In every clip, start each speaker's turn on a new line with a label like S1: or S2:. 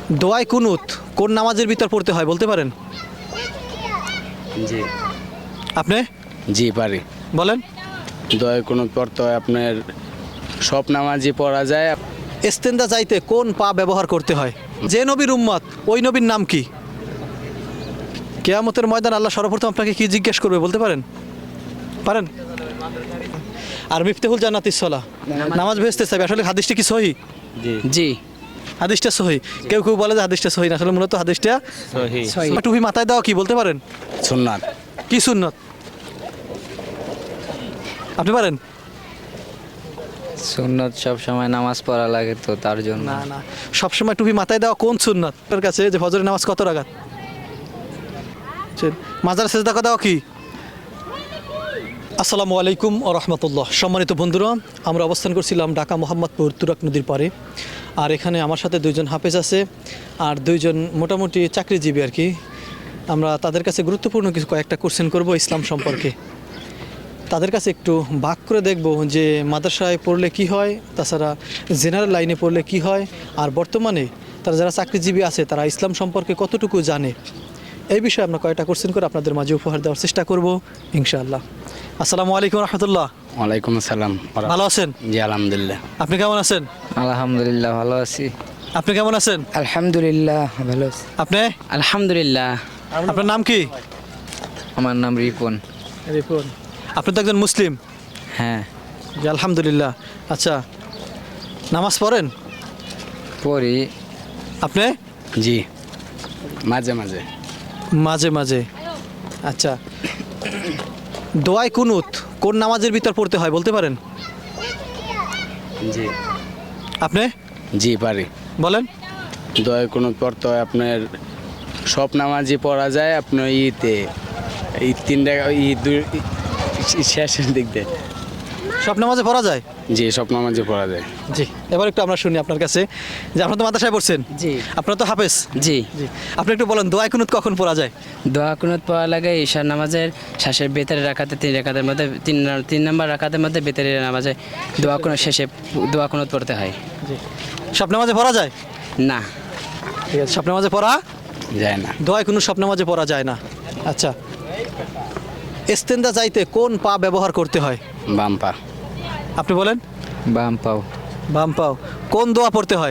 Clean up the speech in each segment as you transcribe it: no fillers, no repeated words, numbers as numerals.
S1: দোয়ায় কুনুত কোন নামাজের ভিতর পড়তে হয় বলতে পারেন?
S2: জি
S1: আপনি
S2: জি পারি।
S1: বলেন।
S2: দয়া কোনো পড়তে হয় আপনার সব নামাজই পড়া যায়।
S1: ইস্তেন্দা যাইতে কোন পা ব্যবহার করতে হয়? যে নবীর উম্মত ওই নবীর নাম কি? কিয়ামতের ময়দান আল্লাহ সর্বপ্রথম আপনাকে কি জিজ্ঞেস করবে বলতে পারেন? পারেন? আর মিফতাহুল জান্নাতিস সালাহ, নামাজ ভেস্তে চাইবে, আসলে হাদিসটা কি সহি?
S2: জি জি
S1: হাদিসটা সহি। কেউ কেউ বলে যে হাদিসটা সহি না, আসলে মূলত হাদিসটা
S2: সহি।
S1: টুপি মাথায় দাও কি বলতে পারেন?
S2: সুন্নাত।
S1: কি সুন্নত? আপনি পারেন?
S3: সুন্নত সব সময় নামাজ পড়া লাগে তো তার জন্য।
S1: না না, সবসময় টুপি মাথায় দেওয়া কোন সুন্নত? আপনার কাছে যে ফজরের নামাজ কত রাকাত? মাজার সেজদা দেওয়া কি? আসসালামু আলাইকুম ও রহমতুল্লাহ। সম্মানিত বন্ধুরা, আমরা অবস্থান করছিলাম ঢাকা মোহাম্মদপুর তুরাক নদীর পাড়ে। আর এখানে আমার সাথে দুইজন হাফেজ আছে আর দুইজন মোটামুটি চাকরিজীবী আর কি। আমরা তাদের কাছে গুরুত্বপূর্ণ কিছু কয়েকটা কোশ্চেন করব ইসলাম সম্পর্কে। তাদের কাছে একটু ভাগ করে দেখব যে মাদ্রাসায় পড়লে কি হয়, তাছাড়া জেনারেল লাইনে পড়লে কি হয়, আর বর্তমানে তারা যারা চাকরিজীবী আছে তারা ইসলাম সম্পর্কে কতটুকু জানে, এই বিষয়ে আমরা কয়েকটা কোশ্চেন করে আপনাদের মাঝে উপহার দেওয়ার চেষ্টা করব ইনশাআল্লাহ। আসসালামু আলাইকুম রহমতুল্লাহ।
S2: ওয়ালাইকুম আসসালাম।
S1: ভালো আছেন?
S2: জি আলহামদুলিল্লাহ।
S1: আপনি কেমন আছেন?
S3: আলহামদুলিল্লাহ ভালো আছি।
S1: আপনি কেমন আছেন?
S3: আলহামদুলিল্লাহ ভালো আছি।
S1: আপনি?
S3: আলহামদুলিল্লাহ।
S1: আপনার নাম কি?
S3: আমার নাম রিপন।
S1: রিপন। আপনি তো একজন মুসলিম?
S3: হ্যাঁ
S1: জি আলহামদুলিল্লাহ। আচ্ছা, নামাজ পড়েন?
S3: পড়ি।
S1: আপনি?
S2: জি মাঝে মাঝে।
S1: মাঝে মাঝে। আচ্ছা, দোয়ায় কুনুত কোন নামাজের ভিতর পড়তে হয় বলতে পারেন?
S2: জি
S1: আপনি
S2: জি পারি।
S1: বলেন।
S2: দয়া কোনো পড়তে হয় আপনার সব নামাজই পড়া যায়। আপনার ইতে এই তিনটা শেষের দিক দিয়ে
S1: সব নামাজে পড়া যায়?
S2: জি সব নামাজই পড়া যায়।
S1: জি। এবার একটু আমরা শুনি আপনার কাছে যে আপনার তো মাদ্রাসায় পড়ছেন।
S3: জি
S1: আপনার তো হাফেজ।
S3: জি।
S1: জি, আপনি একটু বলেন দোয়ায় কুনুত কখন পড়া যায়?
S4: দোয়া কুনুত পড়া লাগে ঈশার নামাজের শেষের বেতের রাখাতে তিন রাকাতের মধ্যে তিন নম্বর রাকাতের মধ্যে বেতের নামাজে দোয়া কুনুত শেষে দোয়া কুনুত পড়তে হয়।
S1: জি। সব নামাজে পড়া যায়?
S4: না,
S1: ঠিক আছে, সব নামাজে পড়া
S2: যায় না।
S1: দোয়ায় কুনুত সব নামাজে পড়া যায় না। আচ্ছা, ইস্তেন্দা যাইতে কোন পা ব্যবহার করতে হয়?
S2: বাম পা।
S1: আপনি বলেন।
S3: বাম পাও।
S1: বাম পাও। কোন দোয়া পড়তে হয়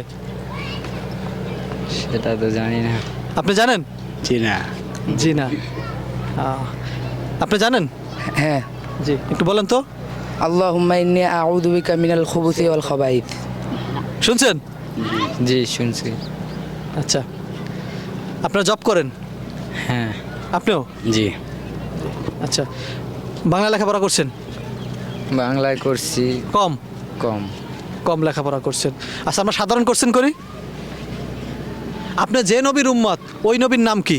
S3: সেটা তো জানি না।
S1: আপনি জানেন?
S2: জি না।
S1: জি না। আপনি জানেন?
S3: হ্যাঁ।
S1: জি, একটু বলেন তো।
S3: আল্লাহুম্মা ইন্নী আউযু বিকা মিনাল খুবুসি ওয়াল খাবাইথ।
S1: শুনছেন?
S3: জি শুনছি।
S1: আচ্ছা, আপনারা জব করেন?
S3: হ্যাঁ।
S1: আপনিও?
S2: জি
S1: আচ্ছা, বাংলা লেখাপড়া করছেন?
S3: বাংলায় করছি
S1: কম?
S3: কম।
S1: কম লেখাপড়া করছেন। আচ্ছা, আমরা সাধারণ কোশ্চেন করি। আপনি যে নবীর উম্মত ওই নবীর নাম কি?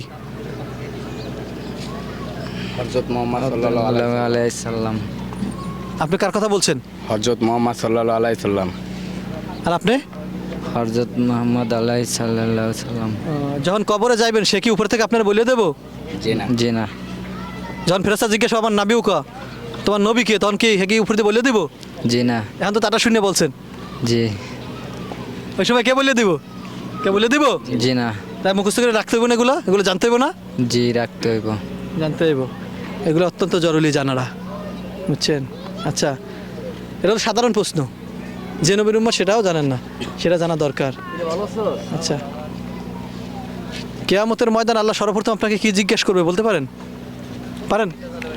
S2: হযরত মুহাম্মদ সাল্লাল্লাহু আলাইহি
S3: আলাইহি সাল্লাম।
S1: আপনি কার কথা বলছেন?
S2: হযরত মুহাম্মদ সাল্লাল্লাহু আলাইহি সাল্লাম।
S1: আর আপনি?
S3: হযরত মুহাম্মদ আলাইহিস সাল্লাল্লাহু সাল্লাম।
S1: যখন কবরে যাইবেন সে কি উপর থেকে আপনারা বলে দেবো?
S2: জি না।
S3: জি না।
S1: যখন ফেরেশতা জিজ্ঞেস আমার নাবিও কা, তোমার নবী কে, তখন কি হে কি উপর দিয়ে বলে দিব?
S3: জি না।
S1: এখন তো তাটা শুনে বলছেন।
S3: জি।
S1: ওই সময় কে বলে দিব? কে বলে দিব?
S3: জি না।
S1: তাই মুখস্থ করে রাখতে হইব না, এগুলো জানতে হইব না?
S3: জি রাখতে হইব।
S1: জানতে হইব, এগুলো অত্যন্ত জরুরি জানারা, বুঝছেন? আচ্ছা, এটা তো সাধারণ প্রশ্ন, যে নবীর উম্মত সেটাও জানেন না, সেটা জানা দরকার। আচ্ছা, কিয়ামতের ময়দান আল্লাহ সর্বপ্রথম আপনাকে কি জিজ্ঞেস করবে বলতে পারেন? পারেন?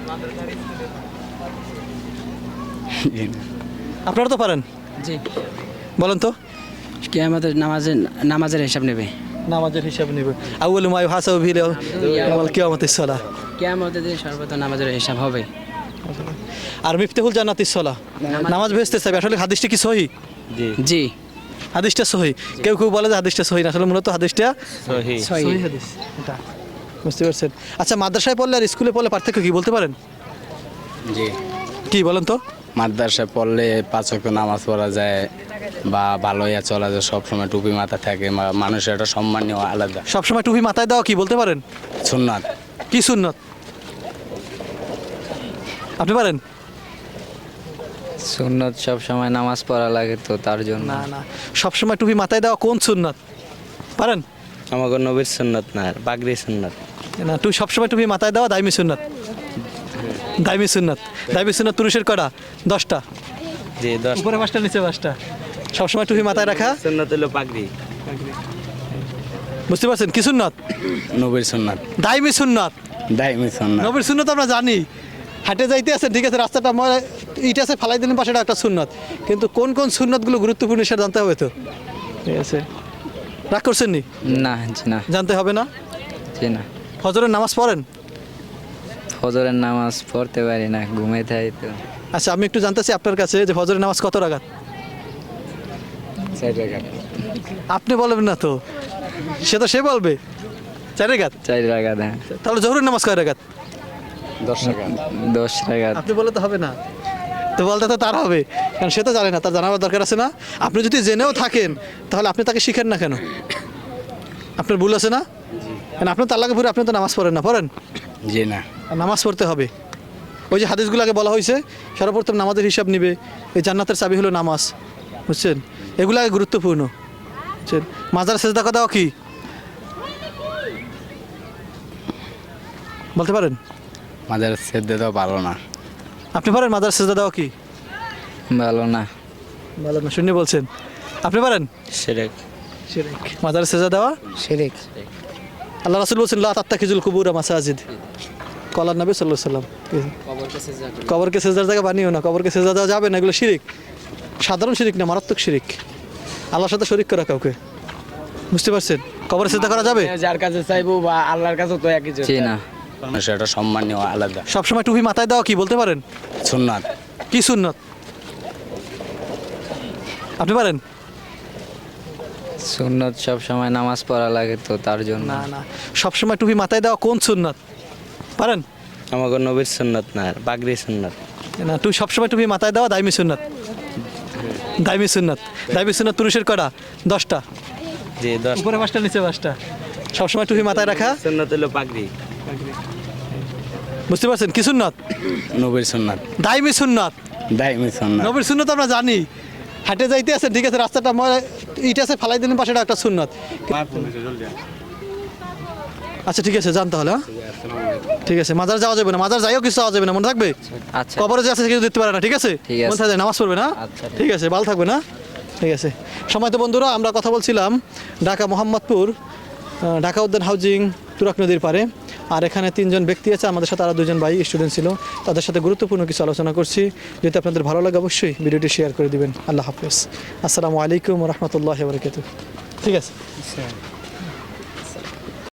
S2: জি না।
S1: আপনারা তো পারেন,
S4: জি।
S1: বলেন তো।
S4: কিয়ামতের নামাজের হিসাব নেবে।
S1: নামাজের হিসাব নেবে। আউয়ালু মা ইউহাসাবু বিহি ইয়াউমাল কিয়ামাতিস সালাহ।
S4: কিয়ামতের দিন সর্বপ্রথম নামাজের হিসাব হবে।
S1: আর মিফতাহুল জান্নাতিস সালাহ, নামাজ ভেস্তে চাইবে, আসলে হাদিসটা কি সহি?
S2: জি
S4: জি
S1: হাদিসটা সহি। কেউ কেউ বলে যে হাদিসটা সহি না, আসলে মূলত হাদিসটা
S2: সহি।
S1: সহি হাদিস এটা, বুঝতে পারছেন? আচ্ছা, মাদ্রাসায় পড়লে আর স্কুলে পড়লে পার্থক্য কি বলতে পারেন?
S2: জি
S1: কি বলেন তো?
S2: মাদ্রাসায় পড়লে 5 ওয়াক্ত নামাজ পড়া যায় বা ভালো ইয়া চলা যায়, সবসময় টুপি মাথা থাকে, মানুষের একটা সম্মানীয় আলাদা।
S1: সবসময় টুপি মাথায় দেওয়া কি বলতে পারেন?
S2: সুন্নাত।
S1: কি সুন্নত? আপনি পারেন?
S3: সুন্নত সব সময় নামাজ পড়া লাগে তো তার জন্য।
S1: না না, সবসময় টুপি মাথায় দেওয়া কোন সুন্নত? পারেন?
S5: আমাকে নবীর সুন্নত না পাগড়ি সুন্নত।
S1: না তুই সবসময় টুপি মাথায় দেওয়া দাইমি সুন্নাত। দাইমি সুন্নাত। দাইমি সুন্নাত পুরুষের কটা? 10টা।
S5: জি 10
S1: উপরে 5টা নিচে 5টা। সবসময় টুপি মাথায় রাখা।
S5: সুন্নত হলো পাগড়ি।
S1: বুঝতে পারছেন কি সুন্নাত?
S2: নবীর সুন্নাত।
S1: দাইমি সুন্নাত।
S2: দাইমি সুন্নাত।
S1: নবীর সুন্নাত আমরা জানি, হাঁটে যাইতে আছেন ঠিক আছে, রাস্তাটা ইট আছে ফালাই দিলেন পাশে, একটা সুন্নাত। কিন্তু কোন কোন সুন্নাতগুলো গুরুত্বপূর্ণ সেটা জানতে হবে তো। ঠিক আছে, রাগ করছেন নি?
S6: না জি না
S1: জানতে হবে না?
S6: জি না।
S1: ফজরের নামাজ পড়েন?
S6: ফজরের নামাজ পড়তে পারি না, ঘুমাই থাকি তো।
S1: আচ্ছা আমি একটু জানতে চাই আপনার কাছে যে ফজরের নামাজ কত রাকাত?
S6: 4 রাকাত।
S1: আপনি বলবেন না তো, সে তো সে বলবে 4 রাকাত।
S6: 4 রাকাত। হ্যাঁ
S1: তাহলে জোহরের নামাজ কয় রাকাত?
S2: 10 টাকা।
S6: 10 রাকাত।
S1: আপনি বলে তো হবে না, তো বলতে তো তার হবে, কারণ সে তো জানে না, তার জানাবার দরকার আছে না? আপনি যদি জেনেও থাকেন তাহলে আপনি তাকে শিখেন না কেন? আপনার ভুল আছে না? কারণ আপনি তার লাগে ভুলে আপনি তো নামাজ পড়েন না, পড়েন?
S2: জি না।
S1: আর নামাজ পড়তে হবে। ওই যে হাদিসগুলো আগে বলা হয়েছে, সর্বপ্রথম নামাজের হিসাব নিবে, এই জান্নাতের চাবি হলো নামাজ, বুঝছেন? এগুলো আগে গুরুত্বপূর্ণ, বুঝছেন? মাজার সেজদা দেওয়া কি বলতে পারেন?
S2: মাঝে সেদ্ধ তো ভালো না।
S1: আপনি পারেন মাজার সেজদা দেওয়া কি?
S6: ভালো না।
S1: ভালো না শুনে বলছেন, আপনি পারেন?
S5: শিরক।
S1: শিরক। মাজার সেজদা দেওয়া
S3: শিরিক।
S1: আল্লাহ রাসূল বলছেন লা তাত্তাখিজুল কুবুরা মাসাজিদ। কলার নবী সাল্লাল্লাহু আলাইহি সাল্লাম, কবরকে সেজদার জায়গা বানিও না, কবরকে সেজদা দেওয়া যাবে না, এগুলো শিরিক। সাধারণ শিরিক না, মারাত্মক শিরিক। আল্লাহর সাথে শরীক করা কাউকে, বুঝতে পারছেন? কবরে সেজদা করা যাবে?
S2: যার কাছে চাইবো বা আল্লাহর কাছে তো একই
S6: জি না।
S2: সেটা সম্মানীয় আলাদা।
S1: সবসময় টুপি মাথায় দেওয়া কি বলতে পারেন?
S2: সুন্নাত।
S1: কি সুন্নত? আপনি পারেন?
S6: সুন্নত সব সময় নামাজ পড়া লাগে তো তার জন্য।
S1: না না, সবসময় টুপি মাথায় দেওয়া কোন সুন্নত পারেন?
S5: আমাকে নবীর সুন্নত না পাগড়ি সুন্নত।
S1: না তুই সবসময় টুপি মাথায় দেওয়া দাইমি সুন্নত। দাইমি সুন্নত। দাইমি সুন্নত পুরুষের কটা? 10টা।
S5: জি 10
S1: উপরে 5টা নিচে 5টা। সবসময় টুপি মাথায় রাখা।
S5: সুন্নত হলো পাগড়ি।
S1: বুঝতে পারছেন কি সুন্নত?
S2: নবীর সুন্নাত।
S1: দাইমি সুন্নত।
S2: দাইমি সুন্নাত।
S1: নবীর সুন্নত আমরা জানি, হাঁটে যাইতে আছেন ঠিক আছে, রাস্তাটা ইট আছে ফালাই দিলেন পাশে, একটা সুন্নত। আচ্ছা ঠিক আছে, যান তাহলে। হ্যাঁ ঠিক আছে, মাজার যাওয়া যাবে না, মাজার যাইও কিছু যাওয়া যাবে না, মনে থাকবে?
S6: আচ্ছা
S1: কবরে যে আছে সে কিছু দিতে পারে না, ঠিক আছে?
S6: ঠিক আছে।
S1: মনে থাকে নামাজ পড়বে না।
S6: আচ্ছা,
S1: ঠিক আছে, ভালো থাকবে না। ঠিক আছে, সময় তো বন্ধুরা আমরা কথা বলছিলাম ঢাকা মোহাম্মদপুর ঢাকা উদ্যান হাউজিং তুরাগ নদীর পারে। আর এখানে 3জন ব্যক্তি আছে, আমাদের সাথে আরও 2জন ভাই স্টুডেন্ট ছিল, তাদের সাথে গুরুত্বপূর্ণ কিছু আলোচনা করছি। যদি আপনাদের ভালো লাগে অবশ্যই ভিডিওটি শেয়ার করে দিবেন। আল্লাহ হাফেজ। আসসালামু আলাইকুম রহমতুল্লাহ বরকাতুহ। ঠিক আছে।